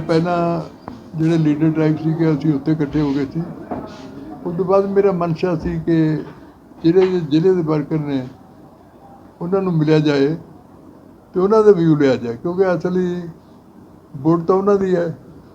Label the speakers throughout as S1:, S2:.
S1: ਪਹਿਲਾਂ ਜਿਹੜੇ leader tribe ਸੀਗੇ ਅਸੀਂ ਉੱਥੇ ਇਕੱਠੇ ਹੋ ਗਏ ਸੀ। ਉਸ ਤੋਂ ਬਾਅਦ ਮੇਰਾ ਮਨਸ਼ਾ ਸੀ ਕਿ ਜ਼ਿਲ੍ਹੇ ਦੇ ਵਰਕਰ ਨੇ ਉਹਨਾਂ ਨੂੰ ਮਿਲਿਆ ਜਾਏ ਅਤੇ ਉਹਨਾਂ ਦਾ ਵਿਊ ਲਿਆ ਜਾਏ, ਕਿਉਂਕਿ ਅਸਲੀ ਵੋਟ ਤਾਂ ਉਹਨਾਂ ਦੀ ਹੈ।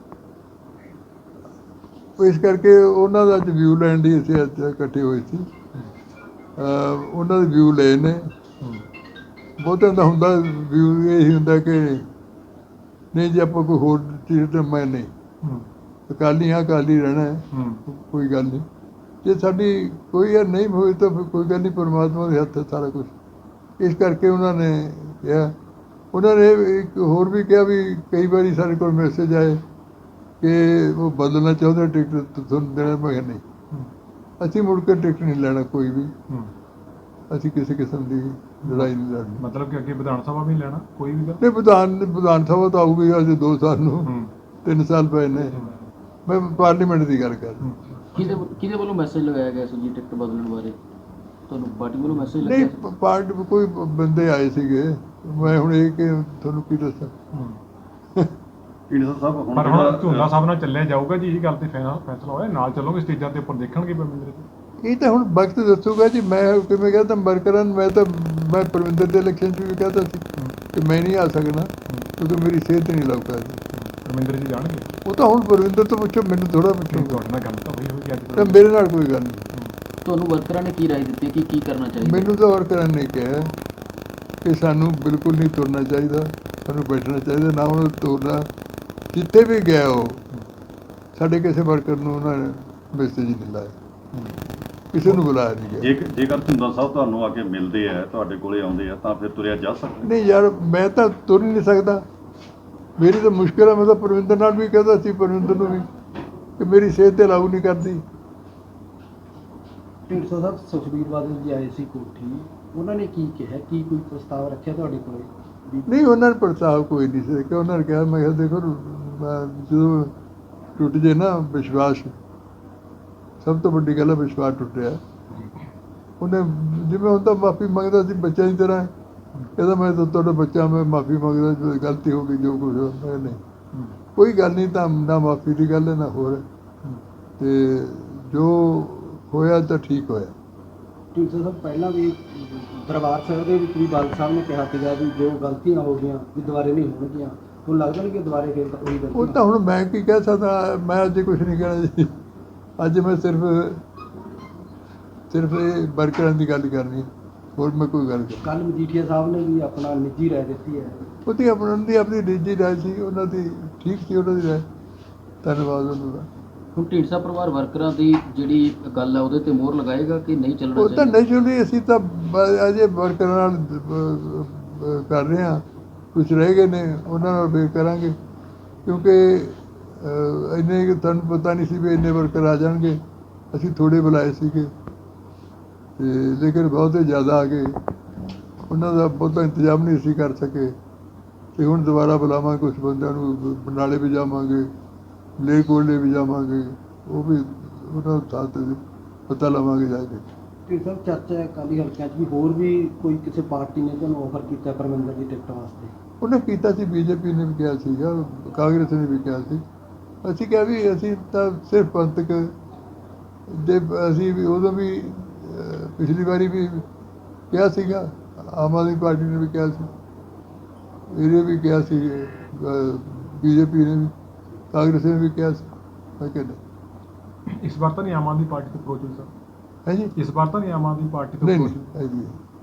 S1: ਇਸ ਕਰਕੇ ਉਹਨਾਂ ਦਾ ਅੱਜ ਵਿਊ ਲੈਣ ਲਈ ਅਸੀਂ ਅੱਜ ਇਕੱਠੇ ਹੋਏ ਸੀ। ਉਹਨਾਂ ਦੇ ਵਿਊ ਲਏ ਨੇ। ਬਹੁਤਿਆਂ ਦਾ ਹੁੰਦਾ ਵਿਊ ਇਹੀ ਹੁੰਦਾ ਕਿ ਨਹੀਂ ਜੇ ਆਪਾਂ ਕੋਈ ਹੋਰ ਚੀਜ਼ ਤਾਂ ਮੈਂ ਨਹੀਂ ਅਕਾਲੀ ਹਾਂ, ਅਕਾਲੀ ਰਹਿਣਾ ਹੈ, ਕੋਈ ਗੱਲ ਨਹੀਂ। ਜੇ ਸਾਡੀ ਕੋਈ ਯਾਰ ਨਹੀਂ ਹੋਈ ਤਾਂ ਫਿਰ ਕੋਈ ਗੱਲ ਨਹੀਂ, ਪਰਮਾਤਮਾ ਦੇ ਹੱਥ ਹੈ ਸਾਰਾ ਕੁਛ। ਇਸ ਕਰਕੇ ਉਹਨਾਂ ਨੇ ਕਿਹਾ, ਉਹਨਾਂ ਨੇ ਇੱਕ ਹੋਰ ਵੀ ਕਿਹਾ ਵੀ ਕਈ ਵਾਰੀ ਸਾਡੇ ਕੋਲ ਮੈਸੇਜ ਆਏ ਕਿ ਉਹ ਬਦਲਣਾ ਚਾਹੁੰਦੇ ਟਿਕਟ ਤੁਹਾਨੂੰ ਦੇਣਾ। ਮੈਂ ਕਿਹਾ ਨਹੀਂ, ਅਸੀਂ ਮੁੜ ਕੇ ਟਿਕਟ ਨਹੀਂ ਲੈਣਾ ਕੋਈ ਵੀ। ਅਸੀਂ ਕਿਸੇ ਕਿਸਮ ਦੀ ਲੜਾਈ ਨਹੀਂ ਲੜਨੀ।
S2: ਮਤਲਬ ਕਿ ਅੱਗੇ ਵਿਧਾਨ ਸਭਾ ਵੀ ਲੈਣਾ ਕੋਈ ਵੀ
S1: ਨਹੀਂ, ਵਿਧਾਨ ਸਭਾ ਤਾਂ ਆਊਗੀ ਅਜੇ 2 ਸਾਲ ਨੂੰ, 3 ਸਾਲ ਪਏ ਨੇ। ਮੈਂ ਪਾਰਲੀਮੈਂਟ ਦੀ ਗੱਲ ਕਰ ਰਿਹਾ।
S3: ਕਿਹਦੇ ਵੱਲੋਂ ਮੈਸੇਜ ਲਗਾਇਆ ਗਿਆ ਸੀ ਜੀ ਟਿਕਟ ਬਦਲਣ ਬਾਰੇ? ਤੁਹਾਨੂੰ ਪਾਰਟੀ ਵੱਲੋਂ ਮੈਸੇਜ ਲੱਗਿਆ?
S1: ਨਹੀਂ, ਪਾਰਟੀ ਕੋਈ ਬੰਦੇ ਆਏ ਸੀਗੇ। ਮੈਂ ਹੁਣ ਇਹ ਕਿ ਤੁਹਾਨੂੰ ਕੀ ਦੱਸਾਂ।
S2: ਪਰ ਹੁਣ ਝੂਲਾ ਸਾਹਿਬ ਨਾਲ ਚੱਲਿਆ ਜਾਊਗਾ ਜੀ, ਇਹ ਗੱਲ ਤੇ ਫੈਸਲਾ ਹੋਇਆ, ਨਾਲ ਚੱਲੋਗੇ ਸਟੇਜਾਂ ਤੇ ਉੱਪਰ ਦੇਖਣਗੇ ਪਰਮਿੰਦਰ ਜੀ?
S1: ਇਹ ਤਾਂ ਹੁਣ ਵਕਤ ਦੱਸੂਗਾ ਜੀ। ਮੈਂ ਕਿਵੇਂ ਕਹਿੰਦਾ ਵਰਕਰਾਂ ਨੂੰ, ਮੈਂ ਪਰਮਿੰਦਰ ਦੇ ਇਲੈਕਸ਼ਨ 'ਚ ਵੀ ਕਹਿੰਦਾ ਸੀ ਕਿ ਮੈਂ ਨਹੀਂ ਆ ਸਕਣਾ ਕਿਉਂਕਿ ਮੇਰੀ ਸਿਹਤ ਨਹੀਂ ਲੱਗ ਪਾ ਰਹੀ।
S2: ਪਰਮਿੰਦਰ ਜੀ ਜਾਣਗੇ?
S1: ਉਹ ਤਾਂ ਹੁਣ ਪਰਮਿੰਦਰ ਤੋਂ ਪੁੱਛੋ, ਮੈਨੂੰ ਥੋੜ੍ਹਾ ਪੁੱਛੋ।
S2: ਤੁਹਾਡੇ ਨਾਲ ਗੱਲ ਤਾਂ ਹੋਈ ਹੋਈ ਅੱਜ
S1: ਤਾਂ ਮੇਰੇ ਨਾਲ ਕੋਈ ਗੱਲ ਨਹੀਂ।
S3: ਤੁਹਾਨੂੰ ਵਰਕਰਾਂ ਨੇ ਕੀ ਰਾਏ ਦਿੱਤੀ ਕਿ ਕੀ ਕਰਨਾ ਚਾਹੀਦਾ?
S1: ਮੈਨੂੰ ਤਾਂ ਵਰਕਰਾਂ ਨੇ ਕਿਹਾ ਕਿ ਸਾਨੂੰ ਬਿਲਕੁਲ ਨਹੀਂ ਤੁਰਨਾ ਚਾਹੀਦਾ, ਸਾਨੂੰ ਬੈਠਣਾ ਚਾਹੀਦਾ, ਨਾ ਉਹਨੂੰ ਤੁਰਨਾ। ਜਿੱਥੇ ਵੀ ਗਿਆ ਉਹ ਸਾਡੇ ਕਿਸੇ ਵਰਕਰ ਨੂੰ ਉਹਨਾਂ ਨੇ ਮੈਸੇਜ ਨਹੀਂ ਲਾਇਆ, ਕਿਸੇ ਨੂੰ ਬੁਲਾਇਆ ਨਹੀਂ ਗਿਆ।
S4: ਜੇਕਰ ਝੁੰਦਾ ਸਾਹਿਬ ਤੁਹਾਨੂੰ ਆ ਕੇ ਮਿਲਦੇ ਆ, ਤੁਹਾਡੇ ਕੋਲੇ ਆਉਂਦੇ ਆ, ਤਾਂ ਫਿਰ ਤੁਰਿਆ ਜਾ ਸਕਦਾ?
S1: ਨਹੀਂ ਯਾਰ, ਮੈਂ ਤਾਂ ਤੁਰ ਨਹੀਂ ਸਕਦਾ, ਮੇਰੀ ਤਾਂ ਮੁਸ਼ਕਿਲ ਹੈ। ਮੈਂ ਤਾਂ ਪਰਵਿੰਦਰ ਨਾਲ ਵੀ ਕਹਿੰਦਾ ਸੀ, ਪਰਵਿੰਦਰ ਨੂੰ ਵੀ, ਕਿ ਮੇਰੀ ਸਿਹਤ 'ਤੇ ਲਾਗੂ ਨਹੀਂ ਕਰਦੀ।
S5: ਢੀਂਡਸਾ ਸਾਹਿਬ ਸੁਖਬੀਰ ਬਾਦਲ ਜੀ ਆਏ ਸੀ ਕੋਠੀ, ਉਹਨਾਂ ਨੇ ਕੀ ਕਿਹਾ? ਕੀ ਕੋਈ ਪ੍ਰਸਤਾਵ ਰੱਖਿਆ ਤੁਹਾਡੇ ਕੋਲ?
S1: ਨਹੀਂ, ਉਹਨਾਂ ਨੇ ਪ੍ਰਸਤਾਵ ਕੋਈ ਨਹੀਂ ਸੀ ਕਿ ਉਹਨਾਂ ਨੇ ਕਿਹਾ। ਮੈਂ ਕਿਹਾ ਦੇਖੋ, ਜਦੋਂ ਟੁੱਟ ਜੇ ਨਾ ਵਿਸ਼ਵਾਸ, ਸਭ ਤੋਂ ਵੱਡੀ ਗੱਲ ਹੈ ਵਿਸ਼ਵਾਸ ਟੁੱਟਿਆ। ਉਹਨੇ ਜਿਵੇਂ ਹੁਣ ਤਾਂ ਮਾਫ਼ੀ ਮੰਗਦਾ ਸੀ ਬੱਚਿਆਂ ਦੀ ਤਰ੍ਹਾਂ, ਕਹਿੰਦਾ ਮੈਂ ਤਾਂ ਤੁਹਾਡਾ ਬੱਚਾ, ਮੈਂ ਮਾਫ਼ੀ ਮੰਗਦਾ, ਜੋ ਗਲਤੀ ਹੋ ਗਈ, ਜੋ ਕੁਛ ਹੋ। ਮੈਂ ਨਹੀਂ, ਕੋਈ ਗੱਲ ਨਹੀਂ, ਤਾਂ ਨਾ ਮਾਫ਼ੀ ਦੀ ਗੱਲ ਹੈ ਨਾ ਹੋਰ। ਅਤੇ ਜੋ ਹੋਇਆ ਤਾਂ ਠੀਕ ਹੋਇਆ।
S5: ਢੀਂਡਸਾ ਸਾਹਿਬ ਪਹਿਲਾਂ ਵੀ ਦਰਬਾਰ ਸਾਹਿਬ ਦੇ ਵਿੱਚ ਵੀ ਬਾਦਲ ਸਾਹਿਬ ਨੇ ਕਿਹਾ ਸੀਗਾ ਵੀ ਜੋ ਗਲਤੀਆਂ ਹੋ ਗਈਆਂ ਵੀ ਦੁਬਾਰੇ ਨਹੀਂ ਹੋਣਗੀਆਂ। ਹੁਣ ਲੱਗਦਾ ਨਹੀਂ ਕਿ ਦੁਬਾਰੇ ਫਿਰ ਉਹੀ ਗਲਤੀ?
S1: ਉਹ ਤਾਂ ਹੁਣ ਮੈਂ ਕੀ ਕਹਿ ਸਕਦਾ, ਮੈਂ ਅੱਜ ਕੁਛ ਨਹੀਂ ਕਹਿਣਾ ਜੀ। ਅੱਜ ਮੈਂ ਸਿਰਫ ਇਹ ਵਰਕਰਾਂ ਦੀ ਗੱਲ ਕਰਨੀ, ਹੋਰ ਮੈਂ ਕੋਈ ਗੱਲ ਨਹੀਂ।
S5: ਕੱਲ੍ਹ ਮਜੀਠੀਆ ਸਾਹਿਬ ਨੇ ਵੀ ਆਪਣਾ ਨਿੱਜੀ ਰਾਏ ਦਿੱਤੀ ਹੈ।
S1: ਉਹਦੀ ਆਪਣੀ ਨਿੱਜੀ ਰਾਏ ਸੀ, ਉਹਨਾਂ ਦੀ ਠੀਕ ਸੀ, ਉਹਨਾਂ ਦੀ ਰਾਏ। ਧੰਨਵਾਦ ਉਹਨਾਂ ਦਾ।
S3: ਹੁਣ ਢੀਂਡਸਾ ਪਰਿਵਾਰ ਵਰਕਰਾਂ ਦੀ ਜਿਹੜੀ ਗੱਲ ਹੈ ਉਹਦੇ ਤੇ ਮੋਹਰ ਲਗਾਏਗਾ ਕਿ ਨਹੀਂ ਚੱਲਣਾ
S1: ਉਹ ਤਾਂ
S3: ਚਾਹੀਦਾ?
S1: ਨਹੀਂ ਚੱਲਣੀ। ਅਸੀਂ ਤਾਂ ਅਜੇ ਵਰਕਰਾਂ ਨਾਲ ਕਰ ਰਹੇ ਹਾਂ, ਕੁਛ ਰਹਿ ਗਏ ਨੇ, ਉਹਨਾਂ ਨਾਲ ਫਿਰ ਕਰਾਂਗੇ। ਕਿਉਂਕਿ ਇੰਨੇ ਤੁਹਾਨੂੰ ਪਤਾ ਨਹੀਂ ਸੀ ਵੀ ਇੰਨੇ ਵਰਕਰ ਆ ਜਾਣਗੇ। ਅਸੀਂ ਥੋੜ੍ਹੇ ਬੁਲਾਏ ਸੀਗੇ, ਅਤੇ ਲੇਕਿਨ ਬਹੁਤੇ ਜ਼ਿਆਦਾ ਆ ਗਏ। ਉਹਨਾਂ ਦਾ ਬਹੁਤਾ ਇੰਤਜ਼ਾਮ ਨਹੀਂ ਅਸੀਂ ਕਰ ਸਕੇ, ਅਤੇ ਹੁਣ ਦੁਬਾਰਾ ਬੁਲਾਵਾਂਗੇ ਕੁਛ ਬੰਦਿਆਂ ਨੂੰ। ਬਰਨਾਲੇ ਵੀ ਜਾਵਾਂਗੇ, ਮਲੇਰਕੋਟਲੇ ਵੀ ਜਾਵਾਂਗੇ, ਉਹ ਵੀ ਉਹਨਾਂ ਥਾਂ 'ਤੇ ਪਤਾ ਲਵਾਂਗੇ ਜਾ ਕੇ।
S5: ਢੀਂਡਸਾ ਸਾਹਿਬ ਚਰਚਾ ਹੈ ਅਕਾਲੀ ਹਲਕਿਆਂ 'ਚ ਵੀ ਹੋਰ ਵੀ ਕੋਈ ਕਿਸੇ ਪਾਰਟੀ ਨੇ ਤੁਹਾਨੂੰ ਆਫਰ ਕੀਤਾ ਪਰਮਿੰਦਰ ਦੀ ਟਿਕਟ ਵਾਸਤੇ?
S1: ਉਹਨੇ ਕੀਤਾ ਸੀ, ਬੀਜੇਪੀ ਨੇ ਵੀ ਕਿਹਾ ਸੀਗਾ, ਕਾਂਗਰਸ ਨੇ ਵੀ ਕਿਹਾ ਸੀ। ਅਸੀਂ ਕਿਹਾ ਵੀ ਅਸੀਂ ਤਾਂ ਸਿਰਫ ਪੰਥਕ ਦੇ, ਅਸੀਂ ਵੀ ਉਦੋਂ ਵੀ ਪਿਛਲੀ ਵਾਰੀ ਵੀ ਕਿਹਾ ਸੀਗਾ, ਆਮ ਆਦਮੀ ਪਾਰਟੀ ਨੇ ਵੀ ਕਿਹਾ ਸੀ, ਇਹਨੇ ਵੀ ਕਿਹਾ ਸੀ, ਬੀਜੇਪੀ ਨੇ ਵੀ, ਕਾਂਗਰਸ ਨੇ ਵੀ ਕਿਹਾ ਸੀ। ਮੈਂ ਕਿਹਾ ਨਹੀਂ।
S2: ਇਸ ਵਾਰ ਤਾਂ ਨਹੀਂ ਆਮ ਆਦਮੀ ਪਾਰਟੀ ਤੋਂ ਅਪਰੋਚ ਹੋਈ ਸਰ?
S1: ਹੈ ਜੀ,
S2: ਇਸ ਵਾਰ ਤਾਂ ਨਹੀਂ ਆਮ ਆਦਮੀ ਪਾਰਟੀ ਤੋਂ
S1: ਨਹੀਂ
S2: ਅਪਰੋਚ
S1: ਨਹੀਂ
S2: ਹੋਈ?
S1: ਹੈ ਜੀ।